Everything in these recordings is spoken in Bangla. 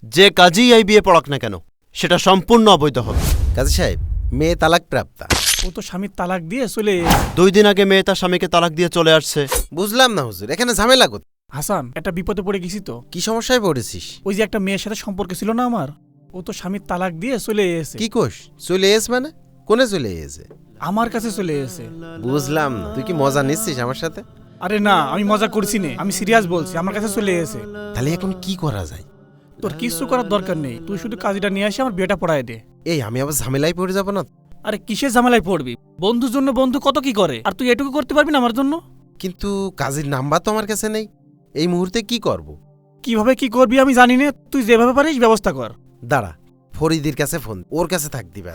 যে কাজেই এই বিয়ে পড়াক না কেন সেটা সম্পূর্ণ অবৈধ হবে। কাজী সাহেব, মেয়ে তালাক প্রাপ্তা। ও তো স্বামীর তালাক দিয়ে চলে 2 দিন আগে মেয়ে তার স্বামীকে তালাক দিয়ে চলে আসছে। বুঝলাম না হুজুর, এখানে ঝামেলা কোথায়? হাসান, একটা বিপদে পড়ে গেছি তো। কি সমস্যায় পড়েছিস? ওই যে একটা মেয়ের সাথে সম্পর্ক ছিল না আমার, ও তো স্বামীর তালাক দিয়ে চলে এসেছে। কি কোষ? চলে এস মানে কোনে চলে এসে? আমার কাছে চলে এসেছে। বুঝলাম না, তুই কি মজা নিচ্ছিস আমার সাথে? আরে না, আমি মজা করছি না, আমি সিরিয়াস বলছি, আমার কাছে চলে এসেছে। তাহলে এখন কি করা যায়? তোর কিছু করার দরকার নেই, তুই শুধু কাজটা নিয়ে আসি, আমার বিয়েটা পড়ায় দে। এই আমি আবার ঝামেলায় পড়ে যাবো না? আরে কিসের ঝামেলায় পড়বি? বন্ধুর জন্য বন্ধু কত কি করে, আর তুই এটুকু করতে পারবি না আমার জন্য? কিন্তু কাজীর নাম্বার তো আমার কাছে নেই, এই মুহূর্তে কি করব? কিভাবে কি করবি আমি জানি না, তুই যেভাবে পারিস ব্যবস্থা কর। দাঁড়া, ফরিদির কাছে ফোন, ওর কাছে থাক দিবা।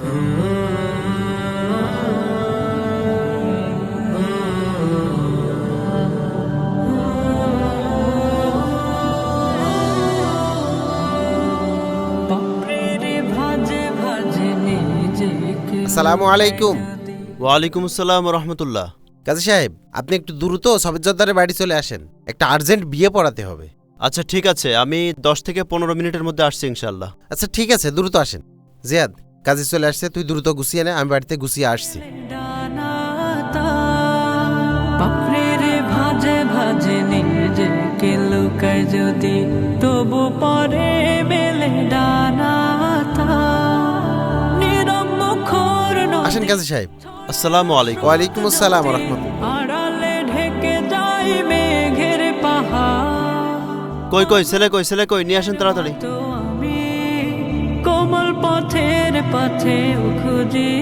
আসসালামু আলাইকুম। ওয়ালাইকুম আসসালাম রহমতুল্লাহ। কাজী সাহেব, আপনি একটু দ্রুত সবের জর্দারের বাড়ি চলে আসেন, একটা আর্জেন্ট বিয়ে পড়াতে হবে। আচ্ছা ঠিক আছে, আমি 10 থেকে 15 মিনিটের মধ্যে আসছি ইনশাল্লাহ। আচ্ছা ঠিক আছে, দ্রুত আসেন। জিয়াদ, কাজী চলে আসছে, তুই দ্রুত গুছিয়ে নে, আমি বাড়িতে গুছিয়ে আসছি। ভাজে ভাজে নিজেকে লুকায় যদি তবু পরে মেলে ডানাতা নীরব মুখর আসেন কাজী সাহেব। আসসালামু আলাইকুম। ওয়ালাইকুম আসসালাম ওয়া রাহমাতুল্লাহ। আড়ালে ঢেকে যায় মেঘের পাহাড়। কই কই ছেলে কই, ছেলে কই, নিয়ে আসেন তাড়াতাড়ি। তো আমি কোমল পথের পথে খুঁজি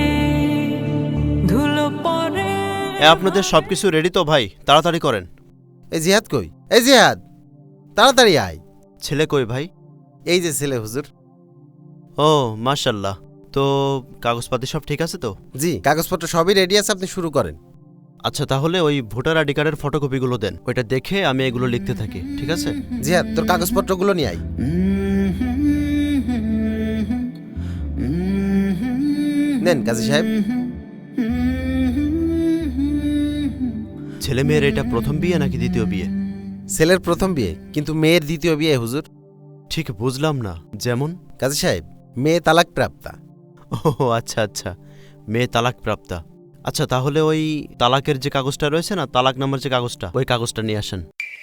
ধুলো পরে। আপনাদের সবকিছু রেডি তো ভাই? তাড়াতাড়ি করেন। এই জিহাদ কই? এই জিহাদ, তাড়াতাড়ি আয়। ছেলে কই ভাই? এই যে ছেলে হুজুর। ও মাশাল্লাহ। তো কাগজপাতি সব ঠিক আছে তো? জি, কাগজপত্র সবই রেডি আছে, আপনি শুরু করেন। আচ্ছা তাহলে ওই ভোটার আইডি কার্ডের ফটোকপিগুলো দেন, ওইটা দেখে আমি এগুলো লিখতে থাকি, ঠিক আছে? জিহাদ, তোর কাগজপত্রগুলো নিয়ে আয়। নেন কাজী সাহেব। ছেলে মেয়ের এটা প্রথম বিয়ে নাকি দ্বিতীয় বিয়ে? ছেলের প্রথম বিয়ে, কিন্তু মেয়ের দ্বিতীয় বিয়ে হুজুর। ঠিক বুঝলাম না, যেমন? কাজী সাহেব, মেয়ে তালাক প্রাপ্তা। ও আচ্ছা আচ্ছা, মেয়ে তালাক প্রাপ্তা। আচ্ছা তাহলে ওই তালাকের যে কাগজটা রয়েছে না, তালাক নাম্বার যে কাগজটা, ওই কাগজটা নিয়ে আসেন।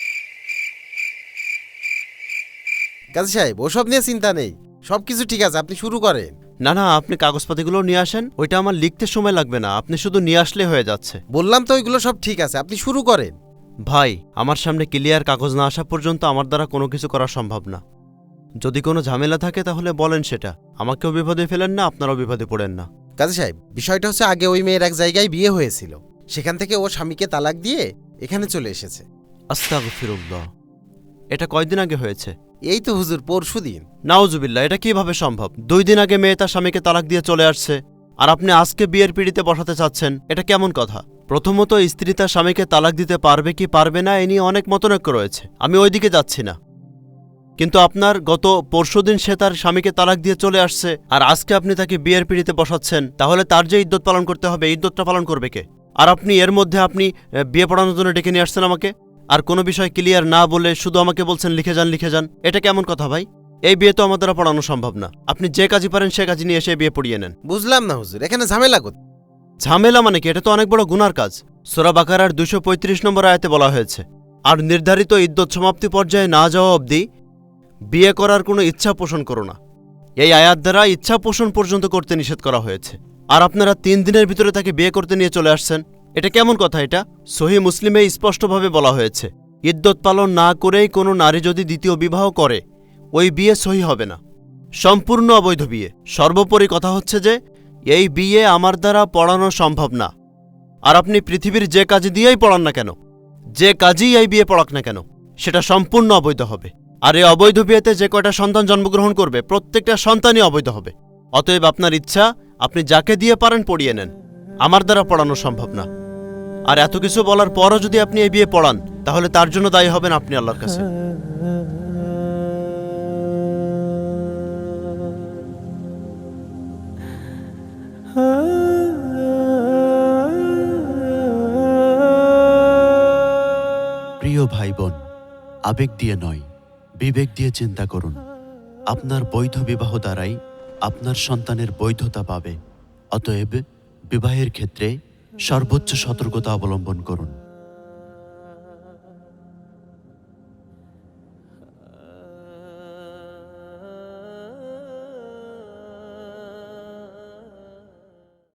কাজী সাহেব, ওসব নিয়ে চিন্তা নেই, সবকিছু ঠিক আছে, আপনি শুরু করেন। না না, আপনি কাগজপাতিগুলো নিয়ে আসেন, ওইটা আমার লিখতে সময় লাগবে না, আপনি শুধু নিয়ে আসলে হয়ে যাচ্ছে। বললাম তো ওইগুলো সব ঠিক আছে, আপনি শুরু করেন। ভাই, আমার সামনে ক্লিয়ার কাগজ না আসা পর্যন্ত আমার দ্বারা কোনো কিছু করা সম্ভব না। যদি কোনো ঝামেলা থাকে তাহলে বলেন সেটা, আমাকেও বিপদে ফেলেন না, আপনারাও বিপদে পড়েন না। কাজী সাহেব, বিষয়টা হচ্ছে আগে ওই মেয়ের এক জায়গায় বিয়ে হয়েছিল, সেখান থেকে ও স্বামীকে তালাক দিয়ে এখানে চলে এসেছে। আস্তাগফিরুল্লাহ। এটা কয়দিন আগে হয়েছে? এই তো হুজুর পরশুদিন। নাউজুবিল্লাহ, এটা কিভাবে সম্ভব? 2 দিন আগে মেয়ে তার স্বামীকে তালাক দিয়ে চলে আসছে, আর আপনি আজকে বিয়ের পিড়িতে বসাতে চাচ্ছেন, এটা কেমন কথা? প্রথমত, স্ত্রী তার স্বামীকে তালাক দিতে পারবে কি পারবে না এ নিয়ে অনেক মতনৈক্য রয়েছে, আমি ওইদিকে যাচ্ছি না। কিন্তু আপনার গত পরশুদিন সে তার স্বামীকে তালাক দিয়ে চলে আসছে, আর আজকে আপনি তাকে বিয়ের পিড়িতে বসাচ্ছেন, তাহলে তার যে ইদ্যত পালন করতে হবে, ইদ্যতটা পালন করবে কে? আর আপনি এর মধ্যে আপনি বিয়ে পড়ানোর জন্য ডেকে নিয়ে আসছেন আমাকে, আর কোনো বিষয় ক্লিয়ার না বলে শুধু আমাকে বলছেন লিখে যান লিখে যান। এটা কেমন কথা ভাই? এই বিয়ে তো আমার দ্বারা পড়ানো সম্ভব না, আপনি যে কাজই পারেন সে কাজই নিয়ে এসে বিয়ে পড়িয়ে নেন। বুঝলাম না হুজুর, এখানে ঝামেলা কোথায়? ঝামেলা মানে কি? এটা তো অনেক বড় গুনার কাজ। সূরা বাকারার 235 নম্বর আয়াতে বলা হয়েছে, আর নির্ধারিত ইদ্যত সমাপ্তি পর্যায়ে না যাওয়া অবধি বিয়ে করার কোনো ইচ্ছা পোষণ করো না। এই আয়াত দ্বারা ইচ্ছা পোষণ পর্যন্ত করতে নিষেধ করা হয়েছে, আর আপনারা 3 দিনের ভিতরে তাকে বিয়ে করতে নিয়ে চলে আসছেন, এটা কেমন কথা? এটা সহিহ মুসলিমে স্পষ্টভাবে বলা হয়েছে, ইদ্যত পালন না করেই কোনো নারী যদি দ্বিতীয় বিবাহ করে ওই বিয়ে সহি হবে না, সম্পূর্ণ অবৈধ বিয়ে। সর্বোপরি কথা হচ্ছে যে এই বিয়ে আমার দ্বারা পড়ানো সম্ভব না। আর আপনি পৃথিবীর যে কাজ দিয়েই পড়ান না কেন, যে কাজই এই বিয়ে পড়াক না কেন, সেটা সম্পূর্ণ অবৈধ হবে। আর এই অবৈধ বিয়েতে যে কয়টা সন্তান জন্মগ্রহণ করবে প্রত্যেকটা সন্তানই অবৈধ হবে। অতএব আপনার ইচ্ছা, আপনি যাকে দিয়ে পারেন পড়িয়ে নেন, আমার দ্বারা পড়ানো সম্ভব না। আর এত কিছু বলার পরও যদি আপনি এই বিয়ে পড়ান, তাহলে তার জন্য দায়ী হবেন আপনি আল্লাহর কাছে। প্রিয় ভাই বোন, আবেগ দিয়ে নয়, বিবেক দিয়ে চিন্তা করুন। আপনার বৈধ বিবাহ দ্বারাই আপনার সন্তানের বৈধতা পাবে। অতএব বিবাহের ক্ষেত্রে সর্বোচ্চ সতর্কতা অবলম্বন করুন।